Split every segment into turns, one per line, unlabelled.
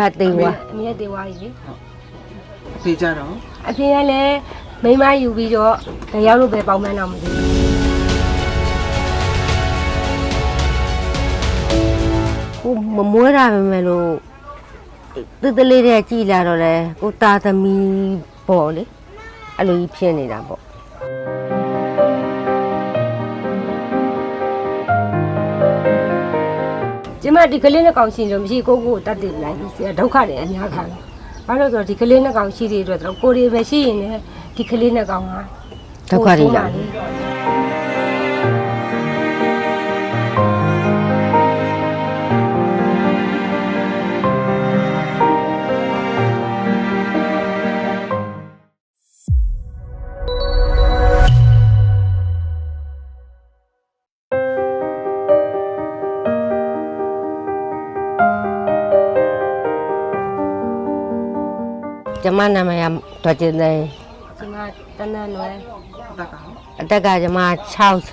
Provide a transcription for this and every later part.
သေးွား
အမေသေးွားကြီးလေ
အဖေကြတော့
အဖေကလည်းမိမယူပြီးတော့တယောက်လို့ပဲပေါင်းမှန်းတော့မသိ
ဘူးကိုမမွေးတာပဲမယ်လို့တလေးတဲ့ကြည်လာတော့လေကိုတာသမီးပေါ့လေအဲ့လိုကြီးဖြစ်နေတာပေါ့
ကျမဒီကလေးနဲ့ကောင်ရှိလို့မရှိကိုတတ်တယ်လိုက်ဒုက္ခတွေအများခံဘာလို့ဆိုတော့ဒီကလေးနဲ့ကောင်ရှိတဲ့အတွက်တော့ကိုရီပဲရှိရင်လည်းဒီကလေးနဲ့ကောင်က
ဒုက္ခတွေလာကျမနာမည်တော်ကျင်တယ်
ကျမတန်းတန်းလွယ်
အတက်ကကျမ60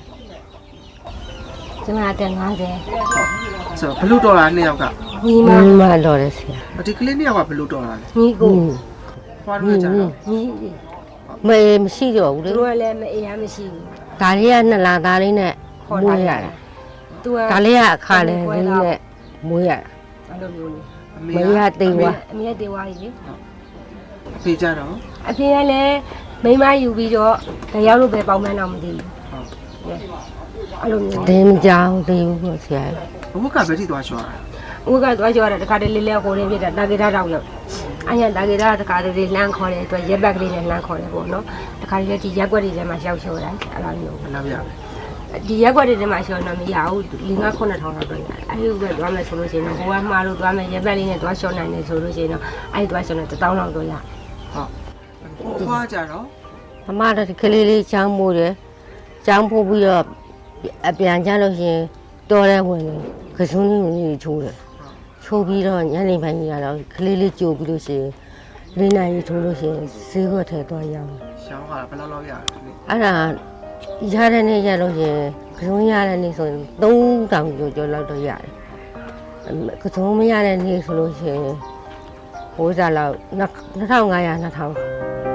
ကျမအသက်50
ဆိုဘလို့တော်တာနှစ်ယောက်က
ညီမတော်တယ်ဆရာ
ဒီကလေးနှစ်ယောက်ကဘလို့တော်တာလဲ
ညီကို
ဖွားလို့ကြတော့
မေမရှိတော့ဘူးလေ
သူကလည်းမအေးရမရှိဘူး
ဒါလေးက2လသားလေးနဲ့မွေးရတာ
သူက
ဒါလေးကအခါလေးနဲ့မွေးရတာ
အဲ့လိုမျိုးလေ
မေကသေးွား
အမေသေးွားကြီးလေ
အဖေကြတော့
အဖေကလည်းမိမယူပြီးတော့တယောက်လို့ပဲပေါင်းမှန်းတော့မသိဘူးအဲ့လိုမျိုး
တင်းမကြောင်သေးဘူးပေါ့ဆရာ
ဘဝကဘယ်ထိသွားချောတာ
ဦးကသွားကြောတာတခါတည်းလေးလေးကိုရင်းပြတာတာဂေတာတောက်လို့အညာတာဂေတာတခါတည်းလှမ်းခေါ်တယ်အတွက်ရက်ဘက်ကလေးနဲ့လှမ်းခေါ်တယ်ပေါ့နော်တခါတည်းဒီရက်ွက်တွေထဲမှာရှောက်ချောတာအဲ့လိုမျိုး
မလားဗျာ
ဒီရက်ွက်တွေထဲမှာရှောက်တော့မရဘူး5-9,000လောက်တော့ရတယ်အဲ့ဒီကသွားမယ်ဆိုလို့ရှိရင်ဘဝမှားလို့သွားမယ်ရက်ဘက်လေးနဲ့သွားရှောက်နိုင်တယ်ဆိုလို့ရှိရင်တော့အဲ့ဒီသွားရှောက်တော့1000လောက်တော့ရ
ဟုတ်ဖွားကြတော့
အမတို့ဒီကလေးလေးချောင်းမိုးတယ်ချောင်းပို့ပြီးတော့အပြန်ကျလို့ရှိရင်တော်တဲ့ဝင်တယ်ကစုံကြီးကြီးချိုးတယ်ချိုးပြီးတော့ညနေပိုင်းကြီးကတော့ကလေးလေးကြိုပြီးလို့ရှိရင်လေးနိုင်ကြီးထိုးလို့ရှိရင်ဈေးခွက်ထဲသွားရောက်
ရှောင်းကဘယ်လောက်ရလဲ
အဲ့ဒါရတဲ့နေ့ရလို့ရှိရင်ကစုံရတဲ့နေ့ဆိုရင်3000ကျော်လောက်တော့ရတယ်ကစုံမရတဲ့နေ့ဆိုလို့ရှိရင်ဟိုးစားလောက်2500 2000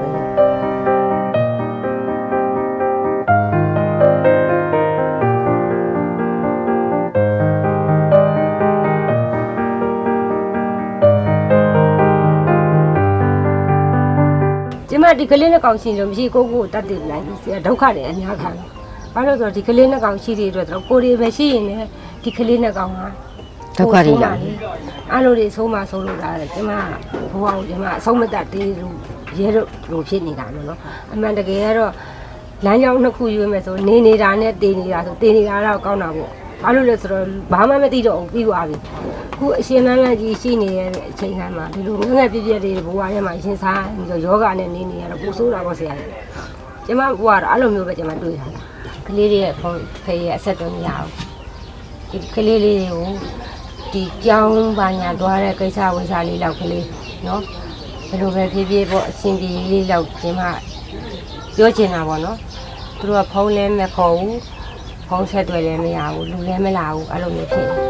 ကျမဒီကလေးနဲ့ကောင်ရှိလို့မရှိကိုတတ်တယ်လိုက်ဒုက္ခတွေအများခံဘာလို့ဆိုတော့ဒီကလေးနဲ့ကောင်ရှိတဲ့အတွက်တော့ကိုရီပဲရှိရင်လည်းဒီကလေးနဲ့ကောင်က
ဒုက္ခတွေလာ
အဲ့လိုတွေဆုံးမဆုံးလို့လာတယ်ကျမဘဝကိုကျမအဆုံးမတတ်သေးလို့ရဲလို့လိုဖြစ်နေတာလို့နော်အမှန်တကယ်ကတော့လမ်းကြောင်းနှစ်ခုရွေးမယ်ဆိုနေနေတာနဲ့တည်နေတာဆိုတည်နေတာတော့ကောင်းတာပေါ့ဘာလို့လဲဆိုတော့ဘာမှမသိတော့ဘူးပြီးသွားပြီခုအရှင်လန်းလန်းကြီးရှိနေတဲ့အချိန်ခါမှာဒီလိုငငယ်ပြည့်ပြည့်တွေဘဝထဲမှာရှင်စားပြီးတော့ယောဂနဲ့နေနေရတော့ပူဆိုးတာပေါ့ဆရာကျမဘဝကတော့အဲ့လိုမျိုးပဲကျမတွေးထားတာကလေးတွေရဲ့ဖေးရဲ့အဆက်တော့မရဘူးဒီကလေးလေးတွေကိုဒီကြောင်းပါညာသွားတဲ့ကိစ္စဝိစာလေးလောက်ကလေးနော်ဘယ်လိုပဲဖြည်းဖြည်းပေါ့အရှင်ပြေလေးလောက်ကျမပြောချင်တာပေါ့နော်သူတို့ကဖုန်းလည်းမခေါ်ဘူးဖုန်းဆက်တွေ့လည်းမရဘူးလူလည်းမလာဘူးအဲ့လိုမျိုးဖြစ်နေ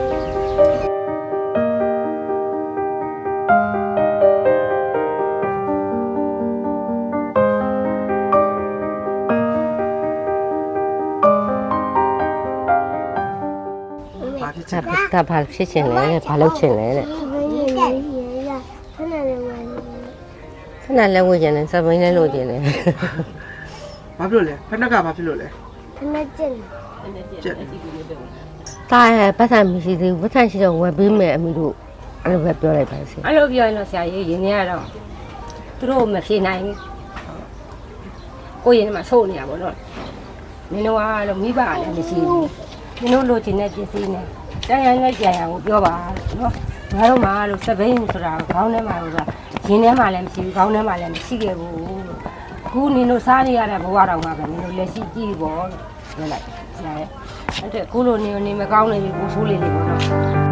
ဒါဘာဖြစ်ချင်လဲဘာလုပ်ချင်လဲတဲ့ခဏလဲဝေးချင်တယ်စပိန်လဲလို့ချင်တယ်
ဘာဖြစ်လို့လဲဖက်နက်ကဘာဖြစ်လို့လဲ
ဖက်နက်ကျင်
တာရဲ့ပတ်စံမရှိသေးဘူးပတ်စံရှိတော့ဝယ်ပေးမယ်အမိတို့အဲ့လိုပဲပြောလိုက်ပါစေ
အဲ့လိုပြောရင်တော့ဆရာကြီးရင်းနေရတော့သူတို့မဖြေနိုင်ဘူးကိုရင်မှာဆိုးနေရပါတော့မင်းတို့ကတော့မိဘလည်းမရှိဘူးမင်းတို့လိုချင်တဲ့ပစ္စည်းနဲ့တိုင်းနဲ့ကြံရကိုပြောပါနော်ငါတို့မှလို့စပိန်ဆိုတာခေါင်းထဲမှာလို့ဆိုတာရင်းထဲမှာလည်းမရှိဘူးခေါင်းထဲမှာလည်းမရှိခဲ့ဘူးအခုနင်တို့စားနေရတဲ့ဘဝတော်မှာပဲနင်တို့လက်ရှိကြည့်ပေါ့လို့ပြောလိုက်ဆရာရဲ့အဲ့ဒါအခုလိုနေမကောင်းနေပြီကိုဆိုးလေးလေးပေါ့နော်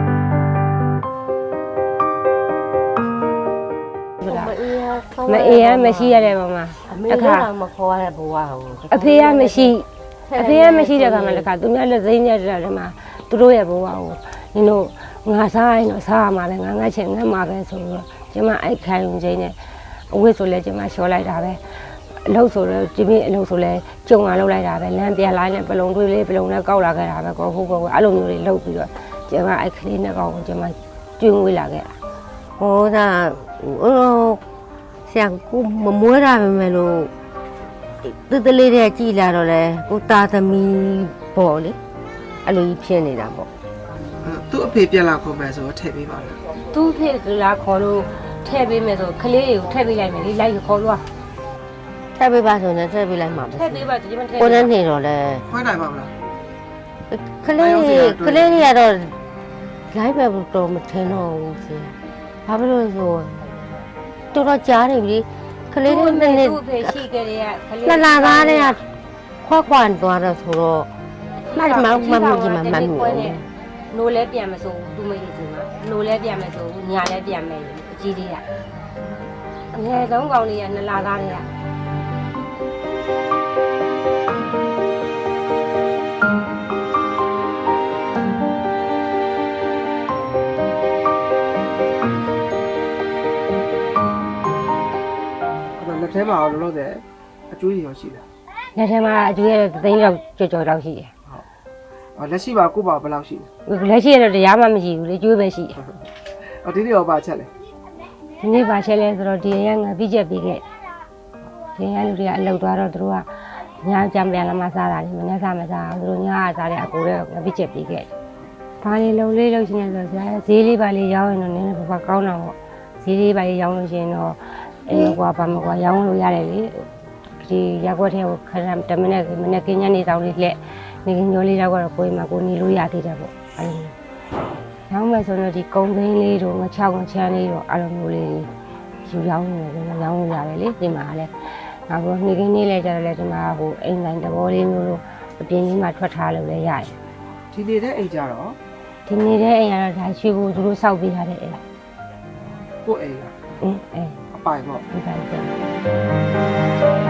မအေးရမရှိရတဲ့ဘဝမှာ
အခါမခေါ်ရတဲ့ဘဝကို
အဖေကမရှိတဲ့ခါမှာလည်းခါသူများလက်သိမ်းရတဲ့ထဲမှာသူတို့ရဲ့ဘဝကိုနင်တို့ငါစားရင်တော့စားရမှာပဲငါငတ်ချင်ငတ်မှာပဲဆိုတော့ကျမအဲ့ခံယူခြင်းနဲ့အဝတ်ဆိုလဲကျမလျှော်လိုက်တာပဲအလုပ်ဆိုတော့ဒီနေ့အလုပ်ဆိုလဲကြုံလာလုပ်လိုက်တာပဲလမ်းပြန်လိုက်နဲ့ပလုံတွေးလေးပလုံနဲ့ကောက်လာခဲ့တာပဲကောဟုတ်ကောအဲ့လိုမျိုးတွေလုပ်ပြီးတော့ကျမအဲ့ကလေးနဲ့ကောက်ကိုကျမကျွေးမွေးလာခဲ့တာ
ဟောဒါဆရာကိုမမွေးရပါမယ်လို့တလေးတဲ့ကြည်လာတော့လေကိုတာသမီပေါ့လေအဲ့လိုကြီးဖြစ်နေတာပေါ့
သူ့အဖေပြက်လာခုမယ်ဆိုတော့ထည့်ပေးပါလား
သူ့ဖေလာခေါ်လို့ထည့်ပေးမယ်ဆိုကလေးတွေကိုထည့်ပေးလိုက်မယ်လေလိုက်ခေါ်လို့
ထည့်ပေးပါဆိုရင်ထည့်ပေးလိုက်မှာပဲ
ထည့်ပေးပါကျမထည့်
ကိုနဲ့နေတော့လေ
ခွဲနိုင်ပါမလား
ကလေးတွေကတော့လိုက်ပဲတော့မထင်တော့ဘူးဆရာဘာဖြစ်လို့ဆိုတော်တော်ကြားနေပြီကလေးတွေနဲ့
သူ့ဖေရှိခဲ့တဲ့ကလေး
လာသားတွေကခွာခွာသွားတော့ဆိုတော့မ
နိုးလဲပြန်မစိုးသူမရစီမှာနိုးလဲပြန်မစိုးညာလဲပြန်မယ်အကြီးလေးကအငယ်ဆုံးကောင်လေးကနှစ်လသားတွေက
အဲ့တော့လက်ထဲမှာလောလောဆယ်အကျွေးရောရှိတယ်
လက်ထဲမှာအကျွေးရသိန်းလောက်ကြော်တော့ရှိတယ်
ဟုတ်လက်ရှိပါကိုပါဘယ်လောက်ရှိလဲ
လက်ရှိရတော့တရားမှမရှိဘူးလေကျွေးပဲရှိတယ်
အော်ဒီနေ့ရောပါချက်လဲ
ဒီနေ့ပါချက်လဲဆိုတော့ဒီရငါပြီးချက်ပြီးခဲ့ဒီရလူတွေကအလုပ်သွားတော့သူတို့ကညာကြံပြန်လာမှစားတာလေမနေ့ကမစားဘူးသူတို့ညာကစားတဲ့အကိုတွေကငါပြီးချက်ပြီးခဲ့ဘာလေးလုံလေးလို့ရှိနေဆိုဆရာဈေးလေးပါလေးရောင်းရင်တော့နည်းနည်းဘာကောင်းတော့ပေါ့ဈေးလေးပါလေးရောင်းလို့ရှိရင်တော့အဲ့လိုကွာဘာမကွာရောင်းလို့ရတယ်လေဒီရက်ွက်ထဲကိုခဏတမနဲ့ကင်းညနေဆောင်လေးလက်နေကင်းညိုလေးတော့ကိုယ်မှာကိုနေလို့ရသေးတယ်ပေါ့အဲ့လိုရောင်းမယ်ဆိုတော့ဒီကုံသိန်းလေးတို့ငချောင်းချမ်းလေးတို့အဲ့လိုမျိုးလေးယူရောင်းနေတယ်ရောင်းလို့ရတယ်လေဒီမှာလည်းနောက်တော့နေကင်းလေးလဲကြတော့လေဒီမှာဟိုအိမ်တိုင်းသဘောလေးမျိုးလို့အပြင်ကြီးမှာထွက်ထားလို့လည်းရတယ်
ဒီနေတဲ့အိမ်ကြတော့
ဒီနေတဲ့အိမ်ကတော့ဒါရွှေကိုသူတို့စောက်ပေးထားတဲ့အိမ်
ကိုအိမ်လား
အင်းအဲ
အပိုင်ပေါ့
ဒီပိုင်းကျ